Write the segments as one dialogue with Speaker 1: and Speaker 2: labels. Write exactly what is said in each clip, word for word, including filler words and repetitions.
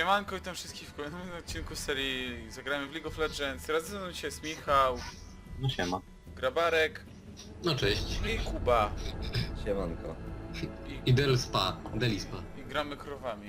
Speaker 1: Siemanko, witam wszystkich w kolejnym odcinku serii Zagramy w League of Legends. Razem ze mną dzisiaj jest Michał,
Speaker 2: No siema.
Speaker 1: Grabarek
Speaker 3: No cześć.
Speaker 1: i Kuba.
Speaker 2: Siemanko.
Speaker 1: I,
Speaker 3: I Del Spa, Deli Spa.
Speaker 1: i gramy krowami.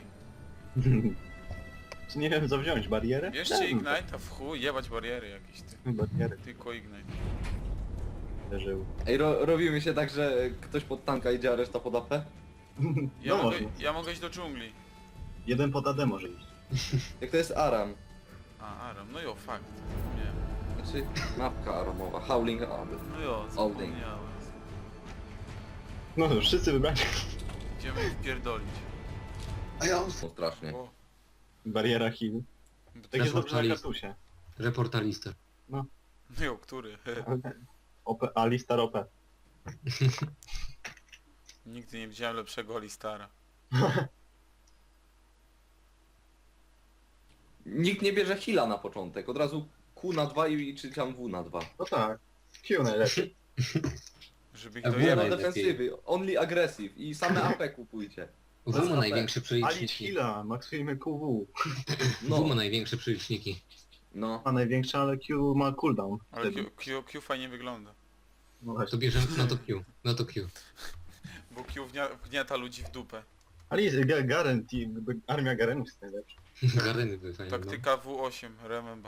Speaker 2: Czy nie wiem co wziąć, barierę?
Speaker 1: Bierzcie
Speaker 2: Dam.
Speaker 1: Ignite, a w chuj, jebać bariery jakieś ty.
Speaker 2: Barierę
Speaker 1: Tylko Ignite.
Speaker 2: leżył.
Speaker 4: Ej, ro robimy się tak, że ktoś pod tanka idzie, a reszta pod A P?
Speaker 1: Ja,
Speaker 2: No
Speaker 1: mogę,
Speaker 2: można.
Speaker 1: ja mogę iść do dżungli.
Speaker 2: Jeden pod A D może iść.
Speaker 4: Jak to jest Aram?
Speaker 1: A, Aram, no jo, fakt. Nie.
Speaker 4: Znaczy, mapka aramowa, Howling Aram.
Speaker 1: No jo,
Speaker 4: Holding.
Speaker 1: zapomniałem.
Speaker 2: No to wszyscy wybrać.
Speaker 1: Idziemy wpierdolić.
Speaker 3: A ja
Speaker 4: No strasznie.
Speaker 1: O,
Speaker 2: Bariera heal.
Speaker 1: bo
Speaker 2: Tak jest dobrze na
Speaker 3: Reportalist.
Speaker 2: kartusie.
Speaker 3: reportalista.
Speaker 1: No jo, który?
Speaker 2: O P, Alistar O P.
Speaker 1: Nigdy nie widziałem lepszego Alistara.
Speaker 4: Nikt nie bierze heala na początek, od razu Q na dwa i czy tam W na dwa.
Speaker 2: No tak. Q najlepiej.
Speaker 1: Żeby ich
Speaker 3: A
Speaker 4: W na
Speaker 3: Najlepiej.
Speaker 1: dojebać.
Speaker 4: defensywy, only aggressive i same A P kupujcie.
Speaker 3: W ma
Speaker 2: Zapę.
Speaker 3: największe
Speaker 2: Ali
Speaker 3: przeliczniki.
Speaker 2: heala, maksujemy Q W.
Speaker 3: W ma
Speaker 4: No,
Speaker 3: największe przeliczniki.
Speaker 4: no.
Speaker 2: Ma największe, ale Q ma cooldown.
Speaker 1: Ale
Speaker 2: Wtedy.
Speaker 1: Q, Q, Q fajnie wygląda.
Speaker 2: No
Speaker 3: To
Speaker 2: właśnie.
Speaker 3: bierzemy na to Q. Na to Q.
Speaker 1: Bo Q wgnia, wgniata ludzi w dupę.
Speaker 2: Ali, Ga- Garen, team, armia Garenów jest najlepsza.
Speaker 3: Gareny by fajne. No.
Speaker 1: Taktyka W osiem, remember.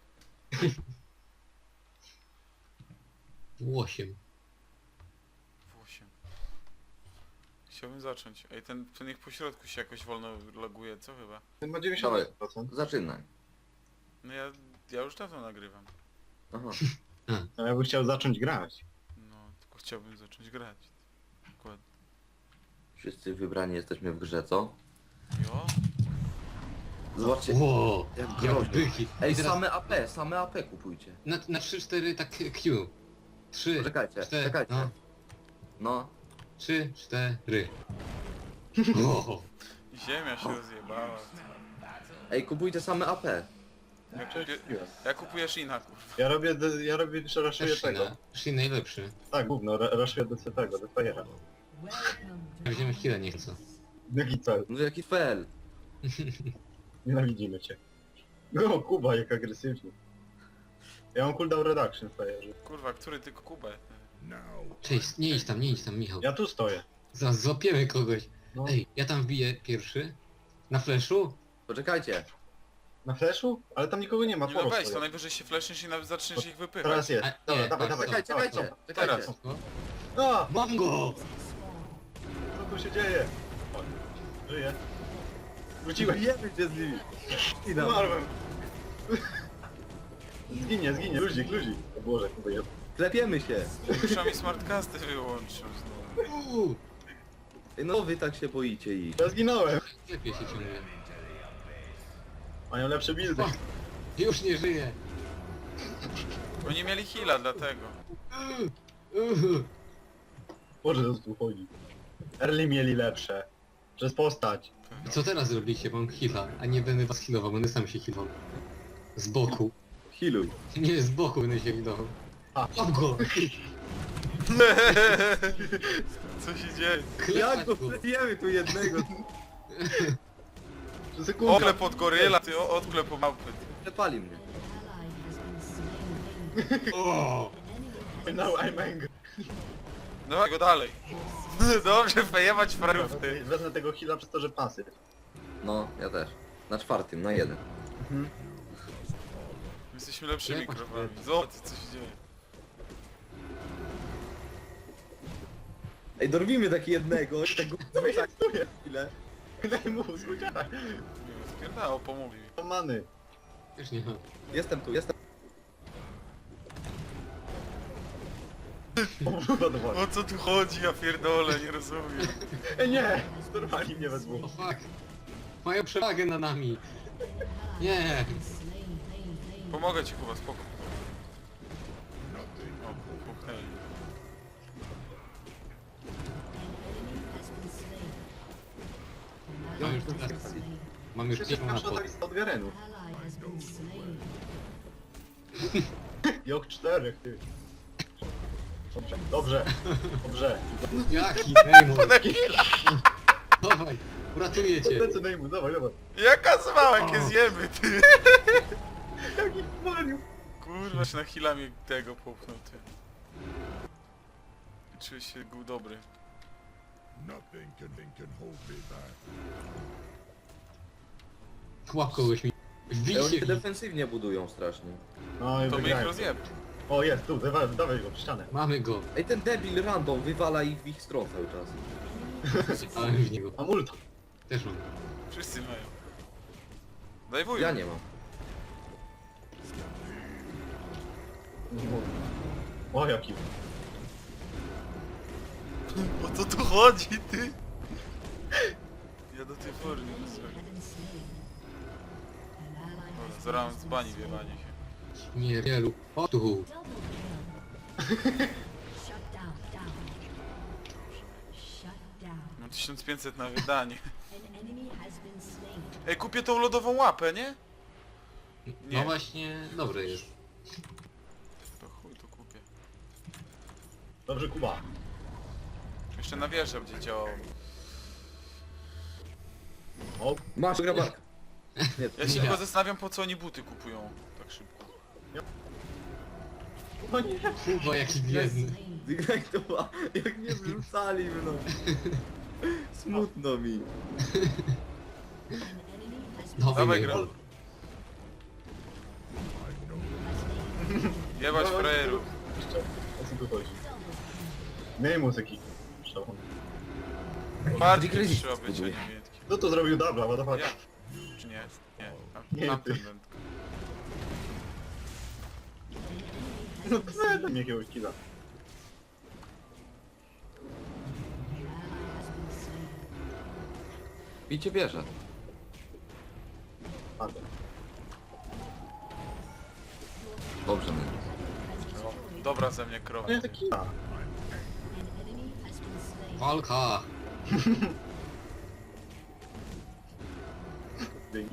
Speaker 3: osiem.
Speaker 1: W osiem. Chciałbym zacząć. Ej, ten, ten ich pośrodku się jakoś wolno laguje, co chyba?
Speaker 2: Ten ma dziewięćdziesiąt procent.
Speaker 4: Zaczynaj.
Speaker 1: No ja, ja już dawno nagrywam.
Speaker 4: Aha.
Speaker 2: A ja bym chciał zacząć grać.
Speaker 1: No, tylko chciałbym zacząć grać. Dokładnie.
Speaker 4: Wszyscy wybrani jesteśmy w grze, co?
Speaker 1: Jo?
Speaker 4: Zobaczcie.
Speaker 3: Ło!
Speaker 4: Jak
Speaker 3: Jak
Speaker 4: groźnie.
Speaker 3: byki.
Speaker 4: Ej,
Speaker 3: I teraz
Speaker 4: same A P, same A P kupujcie.
Speaker 3: na, na trzy cztery tak Q. trzy,
Speaker 4: Poczekajcie,
Speaker 3: cztery,
Speaker 4: czekajcie.
Speaker 3: no.
Speaker 4: No.
Speaker 3: trzy, cztery. O!
Speaker 1: I ziemia się rozjebała.
Speaker 4: Ej, kupujcie same A P.
Speaker 1: Ja, kupię, ja kupuję Shina, kurwa.
Speaker 2: Ja robię, d- ja robię, raszuję tego.
Speaker 3: Shin, Shin najlepszy.
Speaker 2: Tak, gówno, ra- raszuję D C tego, do Fajera.
Speaker 3: Weźmiemy chwilę, nie chcę.
Speaker 2: Jaki cel?
Speaker 4: No jaki fel.
Speaker 2: Nienawidzimy cię. No, Kuba, jak agresywnie. Ja mam cooldown reduction w Fajerze.
Speaker 1: Kurwa, który tylko Kubę?
Speaker 3: Cześć, nie idź tam, nie idź tam, Michał.
Speaker 2: Ja tu stoję.
Speaker 3: Zaraz złapiemy kogoś.
Speaker 2: No.
Speaker 3: Ej, ja tam wbiję pierwszy. Na flashu?
Speaker 4: Poczekajcie.
Speaker 2: Na flashu? Ale tam nikogo nie ma,
Speaker 1: Nie no
Speaker 2: polo
Speaker 1: weź, to
Speaker 2: stoję.
Speaker 1: najwyżej się fleszniesz i nawet zaczniesz ich wypychać.
Speaker 2: Teraz jest.
Speaker 3: A,
Speaker 2: Dobra,
Speaker 3: nie,
Speaker 2: dawaj,
Speaker 3: patrz,
Speaker 2: dawaj,
Speaker 4: Czekajcie,
Speaker 2: dawaj,
Speaker 4: czekajcie,
Speaker 2: dawaj.
Speaker 4: czekajcie.
Speaker 3: O,
Speaker 2: A!
Speaker 3: mam go!
Speaker 2: Co tu się dzieje? O, żyję. Wróciłem.
Speaker 4: Jemy cię z nimi.
Speaker 2: Zmarłem. Zginie, zginie. Luzik, luzik. O Boże, Kuba jest.
Speaker 4: Klepiemy się.
Speaker 1: Muszę mi smartcasty wyłączył znowu.
Speaker 3: Uuu,
Speaker 4: Ej, no wy tak się boicie ich.
Speaker 2: Ja zginąłem.
Speaker 3: lepiej się ciągle.
Speaker 2: Mają lepsze buildy.
Speaker 3: Fuck. Już nie żyję.
Speaker 1: Oni mieli heala, dlatego.
Speaker 3: Uuu.
Speaker 2: Boże, co tu chodzi. Early mieli lepsze. Przez postać.
Speaker 3: I co teraz zrobicie? Mam heala, a nie będę was healował, będę sam się healował. Z boku.
Speaker 4: Healuj.
Speaker 3: Nie, z boku będę się healował.
Speaker 2: A.
Speaker 3: Mam go!
Speaker 1: Co się dzieje?
Speaker 3: Klepać go!
Speaker 4: klepiemy tu jednego.
Speaker 2: Przez sekundę.
Speaker 1: Odklep od goryla, ty o- odklep od małpy.
Speaker 4: Klepali mnie.
Speaker 3: O!
Speaker 2: Now I'm angry.
Speaker 1: No go dalej. Dobrze, fejebać farów, ty.
Speaker 2: Wezmę tego heala przez to, że pasy.
Speaker 4: No, ja też. Na czwartym, na jeden.
Speaker 1: My jesteśmy lepszymi
Speaker 3: Jebać
Speaker 1: krowami.
Speaker 3: farów.
Speaker 1: Zobacz, co się dzieje.
Speaker 4: Ej, dorwimy taki jednego. I tego
Speaker 2: Co mi się stuje?
Speaker 4: chwilę.
Speaker 2: Daj mu zguciara.
Speaker 1: Spierdało, pomówił.
Speaker 2: To many.
Speaker 3: Już nie mam.
Speaker 4: Jestem tu, jestem.
Speaker 2: O, kurwa, do wody.
Speaker 1: O co tu chodzi, ja pierdolę, nie rozumiem.
Speaker 2: Ej, nie! Zdorwali mnie we
Speaker 3: O
Speaker 2: dwóch.
Speaker 3: fuck! Mają przewagę nad nami! Nie!
Speaker 1: Pomogę ci, Kuba, spoko. O, puknęli.
Speaker 3: Mam już teraz. Mam już
Speaker 2: Przecież
Speaker 3: piękną
Speaker 2: pierwsza
Speaker 3: napad.
Speaker 2: lista od Garenów. Joch czterech, ty. Dobrze, dobrze, dobrze.
Speaker 3: Jaki? Ej,
Speaker 1: Taki...
Speaker 3: Dawaj! Uratuję cię.
Speaker 2: Lecę na imu, dawaj, dawaj.
Speaker 1: Jaka zmała,
Speaker 3: O.
Speaker 1: jakie zjemy, ty!
Speaker 2: Jaki wariu.
Speaker 1: Kurwa, się na chwilę mnie tego popchnął, ty. Czuję się był dobry.
Speaker 5: Nothing can, can hold me back.
Speaker 3: Chłop kogoś mi...
Speaker 4: Ej,
Speaker 3: Wbić
Speaker 4: oni
Speaker 3: się
Speaker 4: się
Speaker 3: w nich.
Speaker 4: defensywnie budują strasznie.
Speaker 2: No i
Speaker 1: To my ich
Speaker 2: wygrałem.
Speaker 1: rozjeb.
Speaker 2: O, jest, tu, dawaj, dawaj go, w ścianę.
Speaker 3: Mamy go.
Speaker 4: Ej, ten debil random wywala ich w ich stronę cały czas.
Speaker 3: Zasypałem w niego.
Speaker 2: Mam ulta.
Speaker 3: Też mam.
Speaker 1: Wszyscy mają. Daj wuj.
Speaker 4: Ja nie mam.
Speaker 2: O, jaki.
Speaker 1: O co tu chodzi, ty? Ja do tej pory nie rozumiem. Dobra, zaraz z bani wjebanie się.
Speaker 3: Śmierdzielu. O tu.
Speaker 1: Mam tysiąc pięćset na wydanie. Ej, kupię tą lodową łapę, nie? Nie.
Speaker 3: No właśnie, dobre jest.
Speaker 1: To chuj, to kupię.
Speaker 2: Dobrze, Kuba.
Speaker 1: Jeszcze na wieżę będzie działało.
Speaker 2: O,
Speaker 4: Masz grabarka. Nie, to
Speaker 1: Ja się
Speaker 3: Ja.
Speaker 1: tylko zastanawiam, po co oni buty kupują tak szybko.
Speaker 2: o nie.
Speaker 3: Kurwa, jaki biedny.
Speaker 4: jak to ma, jak mnie wrzucali, no. Smutno mi.
Speaker 3: Nowy
Speaker 1: Dawaj,
Speaker 3: nie
Speaker 1: gra.
Speaker 3: był.
Speaker 1: Jebać frajerów.
Speaker 2: Jeszcze, o co tu chodzi? Miej muzyki. Szalony.
Speaker 1: Bardziej
Speaker 4: Kryzys
Speaker 1: trzeba być, a
Speaker 4: buduje.
Speaker 1: nie miętki.
Speaker 2: Kto to zrobił dubla, what the fuck?
Speaker 1: Ja. Czy nie? Nie. Tam,
Speaker 2: Nie,
Speaker 1: tamten
Speaker 2: ty.
Speaker 1: wędka.
Speaker 2: No to daj mi jakiegoś killa.
Speaker 4: Bicie bierze.
Speaker 2: Padłem.
Speaker 4: Dobrze, my.
Speaker 1: No, dobra ze mnie krowa.
Speaker 2: No ja taki killa.
Speaker 3: Walka.
Speaker 2: Dzięki.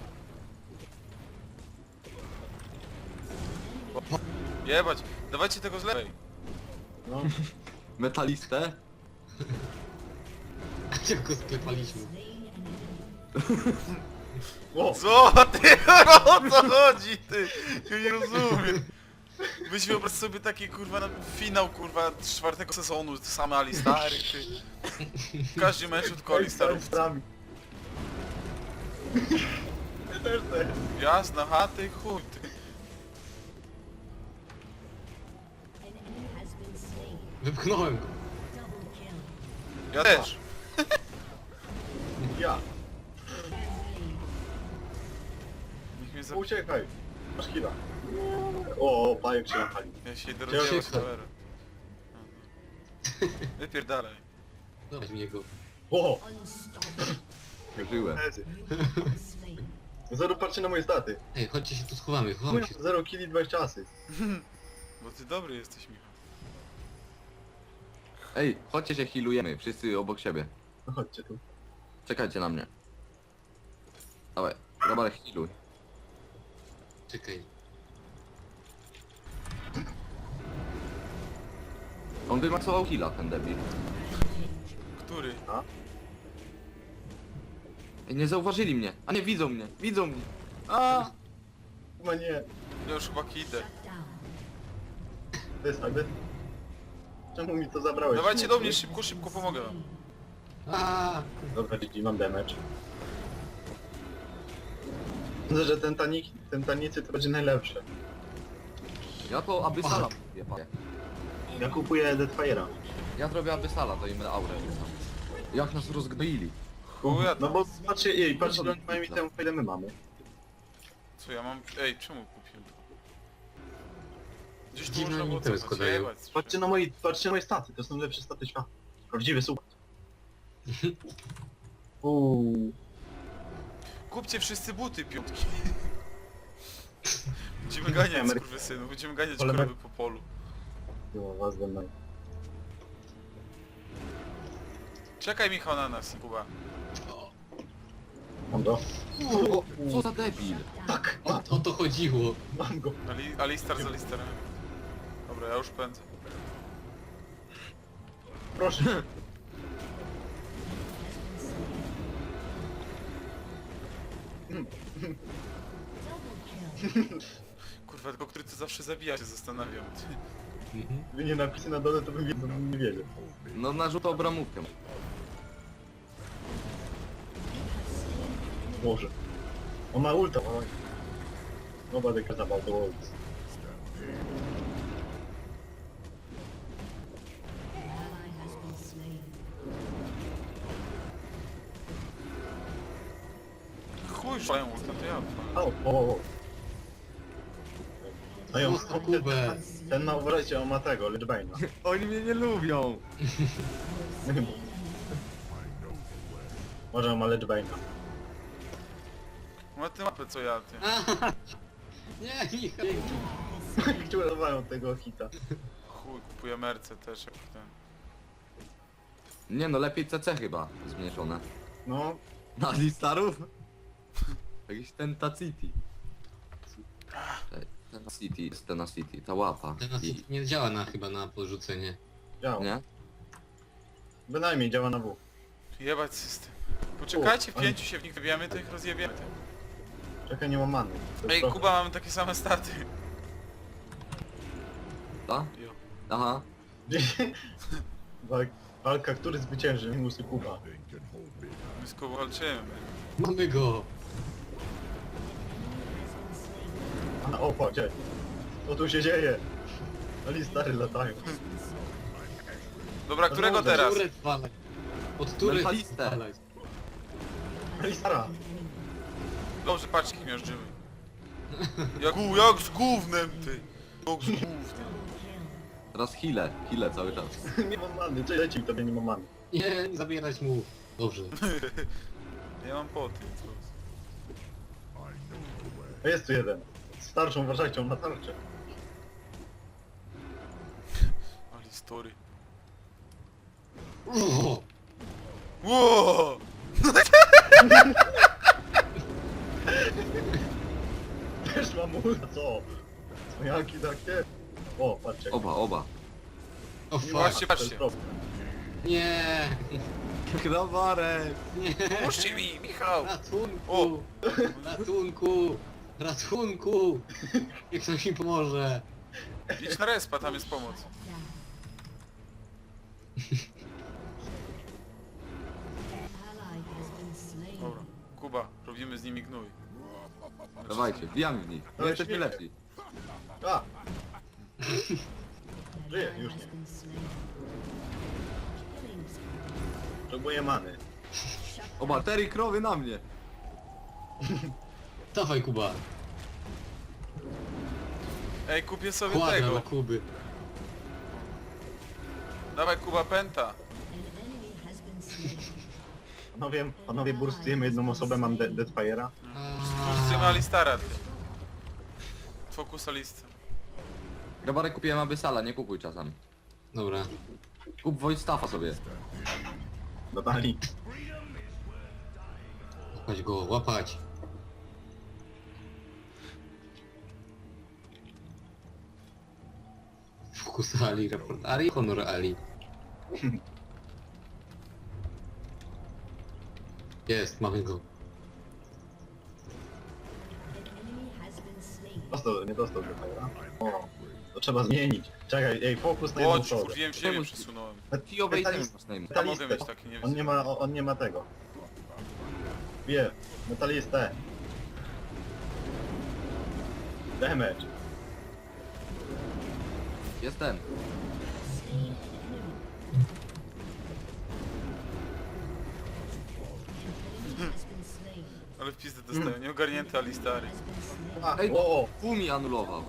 Speaker 1: Jebać. Dawajcie tego z lewej.
Speaker 2: No,
Speaker 4: Metalistę?
Speaker 3: Jak go sklepaliśmy.
Speaker 2: o,
Speaker 1: Co ty? O co chodzi, ty? Ja nie rozumiem. Weź wyobraź sobie taki kurwa na finał kurwa czwartego sezonu, same Alistary, ty. W każdym meczu tylko Alistarów.
Speaker 2: Alistarów. Ja też chcę.
Speaker 1: Jasna, ha ty chuj, ty.
Speaker 3: Wypchnąłem go.
Speaker 1: Ja też.
Speaker 2: Ja.
Speaker 1: Niech mnie za...
Speaker 2: Uciekaj. Masz killa. O, pajek się napali.
Speaker 1: Ja się idę
Speaker 2: Cię-
Speaker 1: rozwijać
Speaker 3: Cię-
Speaker 1: kamerę. Wypierdalaj.
Speaker 3: Dawaj mnie go.
Speaker 2: O,
Speaker 4: Żyłem.
Speaker 2: lezy. Zero patrzcie na moje staty.
Speaker 3: Ej, chodźcie się tu schowamy, chowamy się.
Speaker 2: Zero killi, dwadzieścia asyst.
Speaker 1: Bo ty dobry jesteś, Michał.
Speaker 4: Ej, chodźcie się healujemy, wszyscy obok siebie.
Speaker 2: No chodźcie tu.
Speaker 4: Czekajcie na mnie. Dawaj, grabarek healuj.
Speaker 3: Czekaj.
Speaker 4: On wymaksował heala, ten debil.
Speaker 1: Który?
Speaker 4: Ej, nie zauważyli mnie. A nie, widzą mnie, widzą mnie. A!
Speaker 2: Chyba nie.
Speaker 1: Ja już chyba idę.
Speaker 2: To jest jakby. Czemu mi to zabrałeś?
Speaker 1: Dawajcie do mnie, szybko, szybko pomogę wam.
Speaker 3: Aaaa!
Speaker 2: Dobra, G G, mam damage. Myślę, że ten tanik, ten tanicy to będzie najlepsze.
Speaker 4: Ja to Abyssala kupię.
Speaker 2: Ja kupuję Deathfire'a.
Speaker 4: Ja zrobię Abyssala, to im aurę rzucam. Jak nas rozgnoili.
Speaker 1: Chuja
Speaker 2: No
Speaker 1: tam.
Speaker 2: bo patrzcie, jej, patrzcie, ile oni mają temu, ile my mamy.
Speaker 1: Co ja mam? Ej, czemu kupiłem to? Gdzieś tu
Speaker 3: Dziwne
Speaker 1: można było
Speaker 3: itemy
Speaker 1: cofać,
Speaker 3: składają.
Speaker 1: jebać.
Speaker 2: Patrzcie na moje, patrzcie na moje staty, to są lepsze staty świata. Prawdziwy super. Uuu.
Speaker 1: Kupcie wszyscy buty, piątki. Będziemy ganiać,
Speaker 2: Amery-
Speaker 1: skurwysynu, będziemy ganiać
Speaker 2: Ale-
Speaker 1: krowy po polu.
Speaker 2: No, was ze mną.
Speaker 1: Czekaj Michał na nas, Kuba.
Speaker 2: Mam go.
Speaker 4: O, co za debil.
Speaker 2: Tak,
Speaker 3: O, o to chodziło.
Speaker 2: mam go.
Speaker 1: Ali, Alistar z Alistarem. Dobra, ja już pędzę.
Speaker 2: Proszę.
Speaker 1: Kurwa, tylko który to zawsze zabija, się zastanawiam.
Speaker 3: Mhm.
Speaker 2: Gdyby nie napisy na dole, to bym wiedział, bym nie wiedział.
Speaker 6: No narzucał bramówkę.
Speaker 2: Boże. On ma ulta, oj. Nobody cares about the ults.
Speaker 1: Chuj, szlają ulta, to ja.
Speaker 2: O, o, o. A ją,
Speaker 3: Pusto Kubę.
Speaker 2: ten ma, uważajcie, on ma tego, Lichbane'a.
Speaker 6: Oni mnie nie lubią.
Speaker 2: Może on ma Lichbane'a.
Speaker 1: Ma tę mapę co ja, ty.
Speaker 3: Nie, Michał.
Speaker 2: Kciurowają tego hita.
Speaker 1: Chuj, kupuję merce też jak ten.
Speaker 6: Nie no, lepiej C C chyba zmniejszone.
Speaker 2: No,
Speaker 6: Na Alistarów? Jakiś Tentacity. Tenacity jest Tenacity, ta łapa.
Speaker 3: Teraz
Speaker 6: I,
Speaker 3: nie działa na, chyba na porzucenie.
Speaker 2: działa.
Speaker 6: nie?
Speaker 2: Bynajmniej działa na W.
Speaker 1: Jebać system. Poczekajcie, w
Speaker 2: U,
Speaker 1: pięciu się w nich wybijamy, to ich rozjebiemy. Ty.
Speaker 2: Czekaj, nie mam many. To jest
Speaker 1: Ej,
Speaker 2: trochę.
Speaker 1: Kuba, mamy takie same staty.
Speaker 6: Ta?
Speaker 1: Jo.
Speaker 6: Aha.
Speaker 2: Walk, walka, który zwycięży, Minusy Kuba.
Speaker 5: Nothing can hold me back.
Speaker 1: My z Kubą walczymy.
Speaker 3: Mamy go!
Speaker 2: A, o, patrz, ej. Co tu się dzieje? Ali stary latają.
Speaker 1: Dobra, którego
Speaker 2: Dobra,
Speaker 1: teraz?
Speaker 3: Turet walaj. Od turet
Speaker 6: Mentalistę.
Speaker 3: walaj.
Speaker 2: Ali stara.
Speaker 1: Dobrze, patrz ich miażdżymy. Jak, gó- jak z gównem, ty. Jak z gównem.
Speaker 6: Teraz healę, healę cały czas.
Speaker 2: Nie mam many, cześć, leci tobie nie mam many.
Speaker 3: Nie, nie zabierać mu. Dobrze.
Speaker 1: Ja mam poty, co?
Speaker 2: A jest tu jeden. Starszą, uważajcie, on ma tarczę.
Speaker 1: Ali story.
Speaker 3: O!
Speaker 1: Ło!
Speaker 2: Też mam ulta, co? Co jaki takie? O, patrzcie.
Speaker 6: Oba, oba.
Speaker 3: O fuck.
Speaker 1: Patrzcie,
Speaker 2: To jest
Speaker 1: patrzcie.
Speaker 2: proste.
Speaker 3: Nie!
Speaker 6: Krawarek!
Speaker 3: Nie!
Speaker 1: Pomóżcie mi, Michał!
Speaker 3: Ratunku!
Speaker 1: O!
Speaker 3: Ratunku! Ratunku! Jak ktoś mi pomoże?
Speaker 1: Idź na respa, tam jest pomoc. Dobra, Kuba, robimy z nimi gnój.
Speaker 6: Dawajcie, wbijamy w nich. My
Speaker 2: Ale
Speaker 6: jesteśmy
Speaker 2: śmiecie.
Speaker 6: lepsi.
Speaker 2: A! Żyje, już nie. Potrzebuję many.
Speaker 6: O, baterii krowy na mnie.
Speaker 3: Dawaj Kuba!
Speaker 1: Ej, kupię sobie
Speaker 3: Kładra
Speaker 1: tego.
Speaker 3: dla Kuby.
Speaker 1: Dawaj, Kuba, penta.
Speaker 2: Panowie, panowie burstujemy jedną osobę, mam de Deadfire'a.
Speaker 1: Spójrzcie Alistara, ty. Fokus Alisty.
Speaker 6: Krawarek kupiłem Abyssala, nie kupuj czasami.
Speaker 3: Dobra.
Speaker 6: Kup Voidstaffa sobie.
Speaker 2: Dodali.
Speaker 3: Łapać go, łapać. Fokus Ali, raport Ali, honor Ali. Jest, mamy go.
Speaker 2: Dostał, nie dostał Deadfire'a. O, to trzeba zmienić. Czekaj, ej, fokus na jedną
Speaker 1: Chodź,
Speaker 2: osobę.
Speaker 1: kurwiłem siebie, przesunąłem.
Speaker 6: Kijowej
Speaker 2: Metalist-
Speaker 6: temu masz na imię.
Speaker 1: Ja mogę mieć taki, nie
Speaker 2: On nie
Speaker 1: wiem.
Speaker 2: ma, on nie ma tego. Wie, metalistę. Damage.
Speaker 6: Jest ten.
Speaker 1: Ale w pizdę dostają, nieogarnięty Alistary.
Speaker 2: A,
Speaker 6: Ej.
Speaker 2: o, o,
Speaker 6: Fu mi anulował.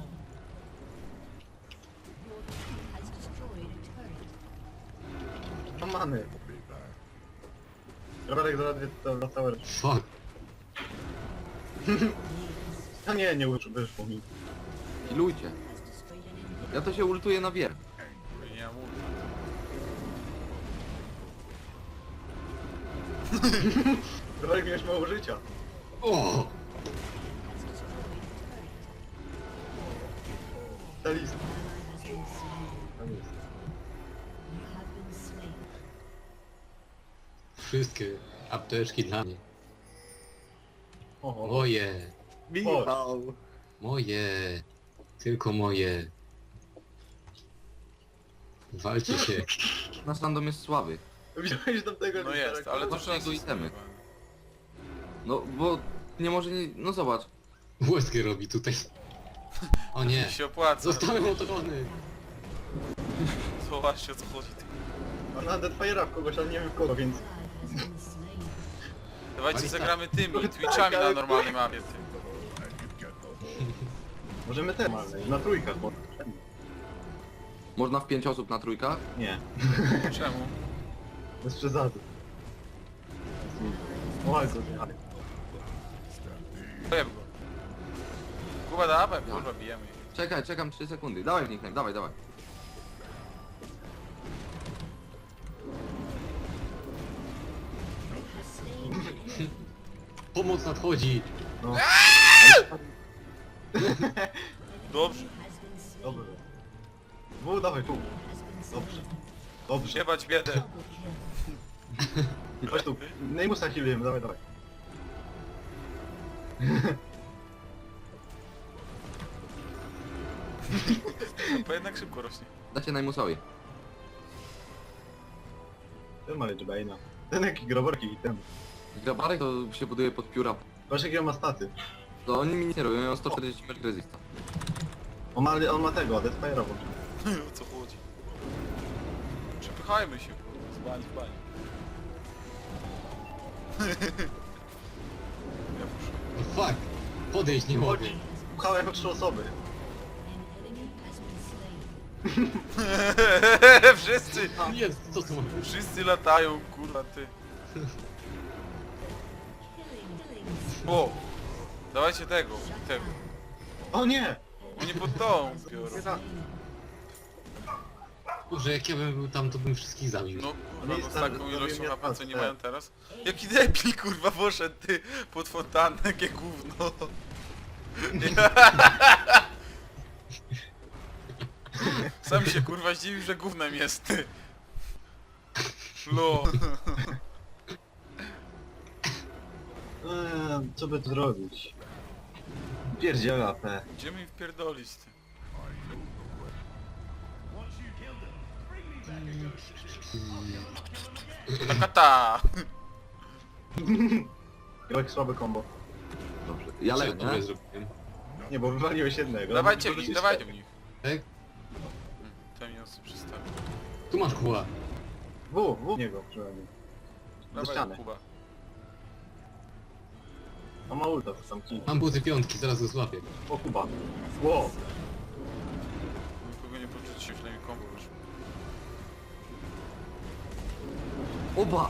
Speaker 2: to many. Rowerek zaledwie to na całe...
Speaker 3: Fuck.
Speaker 2: A nie, nie uczy- wyszło mi.
Speaker 6: Healujcie. Ja to się ultuję na wier.
Speaker 1: Nie mam ulta.
Speaker 2: Rowerek miałeś mało życia.
Speaker 3: O!
Speaker 2: Metalista. Tam jest.
Speaker 3: Wszystkie apteczki dla mnie.
Speaker 2: Oho.
Speaker 3: Moje,
Speaker 4: Michał!
Speaker 3: moje, tylko moje. Walcie się.
Speaker 6: Nasz random jest słaby.
Speaker 2: Widziałeś tam tego
Speaker 1: No jest, ale to
Speaker 6: Właśnie
Speaker 1: trzeba
Speaker 6: jego itemy.
Speaker 1: system.
Speaker 6: No bo nie może nie... No zobacz.
Speaker 3: Łezkę robi tutaj. O nie,
Speaker 1: się opłaca.
Speaker 3: zostałem otoczony.
Speaker 1: Zobaczcie o co chodzi. Ty.
Speaker 2: On na Deadfire'a w kogoś, ale nie wiem w kogo, więc...
Speaker 1: Dawajcie
Speaker 3: Alista.
Speaker 1: zagramy tymi,
Speaker 2: Tak,
Speaker 1: Twitchami na
Speaker 2: ale-
Speaker 1: normalnej mapie. Ty.
Speaker 2: Możemy te na trójkach, bo...
Speaker 6: Można w pięć osób na trójkach?
Speaker 2: Nie,
Speaker 1: Czemu?
Speaker 2: bez przesady. O, ale to ale...
Speaker 1: Bijemy go. Kuba dawaj, kurwa bijemy. ich.
Speaker 6: Czekaj, czekam trzy sekundy. Dawaj w nickname, dawaj, dawaj.
Speaker 3: Pomoc nadchodzi.
Speaker 2: No.
Speaker 1: Dobrze.
Speaker 2: Dobrze.Wu, dawaj tu. Dobrze. Dobrze.
Speaker 1: Siebać biedę.
Speaker 2: Chodź tu. Neymusa healujemy, dawaj, dawaj.
Speaker 1: Bo jednak szybko rośnie.
Speaker 6: Dajcie najmusowi.
Speaker 2: Ten ma Ledge Bane'a. Ten jaki groborki i ten.
Speaker 6: Grabarek to się buduje pod pióra.
Speaker 2: Patrz jakie on ma staty.
Speaker 6: To oni mi nic nie robią, mają sto czterdzieści metr resista.
Speaker 2: On ma, on ma tego, Deathfire'a włączył.
Speaker 1: O co chodzi? Przepychajmy się. Z bani, z bani. Ja muszę.
Speaker 3: No fuck, podejść nie mogę.
Speaker 2: Chodź. Pchałem trzy osoby.
Speaker 1: Wszyscy!
Speaker 3: Jest, co tu mam?
Speaker 1: Wszyscy latają, kurwa ty. O! Dawajcie tego, tego.
Speaker 2: O nie!
Speaker 1: Oni pod tą biorą.
Speaker 2: Nie tak.
Speaker 3: Boże, jak ja bym był tam, to bym wszystkich zabił.
Speaker 1: No kurwa, no z
Speaker 2: stary,
Speaker 1: taką
Speaker 2: zrobię
Speaker 1: ilością
Speaker 2: mnie
Speaker 1: H P co nie
Speaker 2: pas,
Speaker 1: mają teraz. Jaki debil kurwa poszedł ty pod fontannę, jakie gówno. Sam się kurwa zdziwił, że gównem jest ty. Lo.
Speaker 2: Eee, co by tu zrobić? Pierdziela A P.
Speaker 1: Gdzie mi wpierdolić ty? Takata!
Speaker 2: Jak słabe combo.
Speaker 6: Dobrze. Ja
Speaker 3: Co
Speaker 6: leję,
Speaker 3: dobre
Speaker 6: nie?
Speaker 3: zrobiłem?
Speaker 2: Nie, bo wywaliłeś jednego.
Speaker 1: Dawajcie w
Speaker 2: Możesz
Speaker 1: nich,
Speaker 2: jeszcze-
Speaker 1: dawajcie w nich.
Speaker 3: Tak?
Speaker 1: Te minusy przystawię.
Speaker 3: Tu masz kuła.
Speaker 2: W, w niego przynajmniej. Do
Speaker 1: Dawaj
Speaker 2: ściany.
Speaker 1: Kuba.
Speaker 2: On ma ulta, to tam kij.
Speaker 3: Mam buty piątki, zaraz go złapię.
Speaker 2: O Kuba. Wow.
Speaker 1: Nikogo nie poczuć się, przynajmniej kombo wyszło.
Speaker 6: Oba!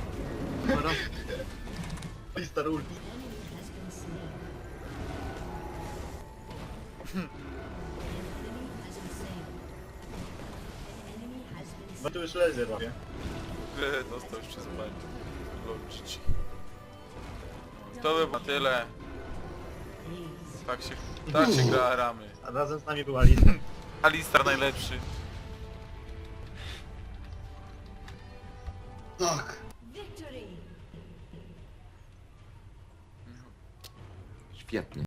Speaker 2: I stary ult. No tu już laser robię.
Speaker 1: Eee, dostał już przez bani. Lol, G G. To by było na tyle. Tak się, tak się gra ramy.
Speaker 2: A razem z nami była Lisa.
Speaker 1: Alistar najlepszy.
Speaker 3: Tak.
Speaker 6: Świetnie.